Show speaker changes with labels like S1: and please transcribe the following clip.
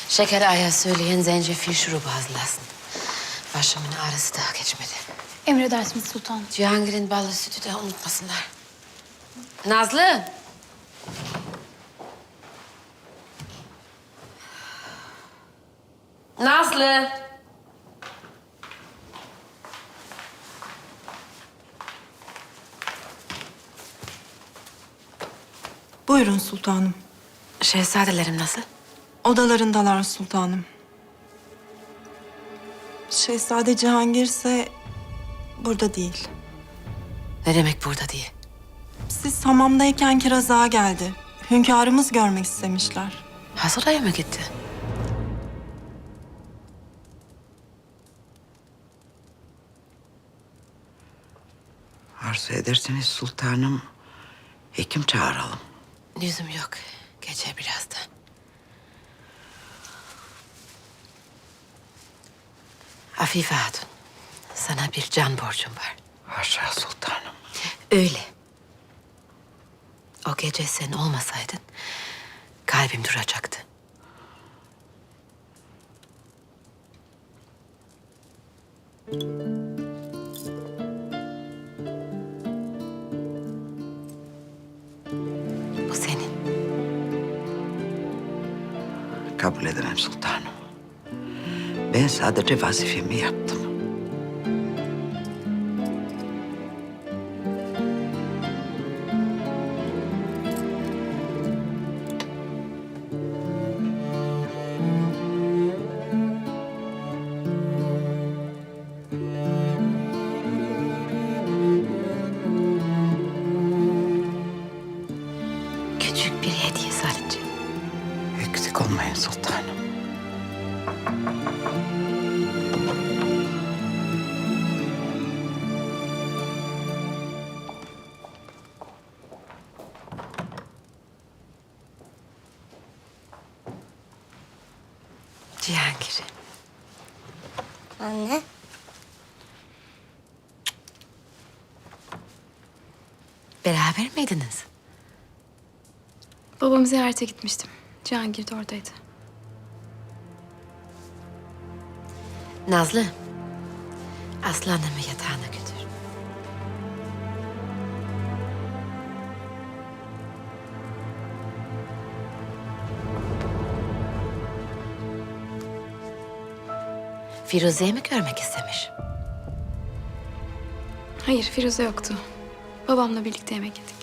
S1: Şeker Ağa'ya söyleyin zencefil şurubu hazırlasın. Başımın ağrısı daha geçmedi.
S2: Emredersiniz sultanım.
S1: Cihangir'in ballı sütü de unutmasınlar. Nazlı! Nazlı!
S3: Buyurun sultanım.
S1: Şehzadelerim nasıl?
S3: Odalarındalar sultanım. Şehzade Cihangir ise burada değil.
S1: Ne demek burada diye?
S3: Siz hamamdayken Kiraz Ağa geldi. Hünkârımız görmek istemişler.
S1: Hasıraya mı gitti?
S4: Arzu ederseniz sultanım, hekim çağıralım.
S1: Lüzum yok. Geçer birazdan. Afife Hatun, sana bir can borcum var.
S4: Haşa sultanım.
S1: Öyle. O gece sen olmasaydın kalbim duracaktı. Bu senin.
S4: Kabul edemem sultanım. Ben sadece vazifemi yaptım.
S1: Küçük bir hediye sadece.
S4: Eksik olmayın sultanım.
S1: Cihangir.
S5: Anne.
S1: Beraber miydiniz?
S2: Babamı ziyarete gitmiştim. Cihangir de oradaydı.
S1: Nazlı, aslanımı yatağına götür. Firuze'yi mi görmek istemiş?
S2: Hayır, Firuze yoktu. Babamla birlikte yemek yedik.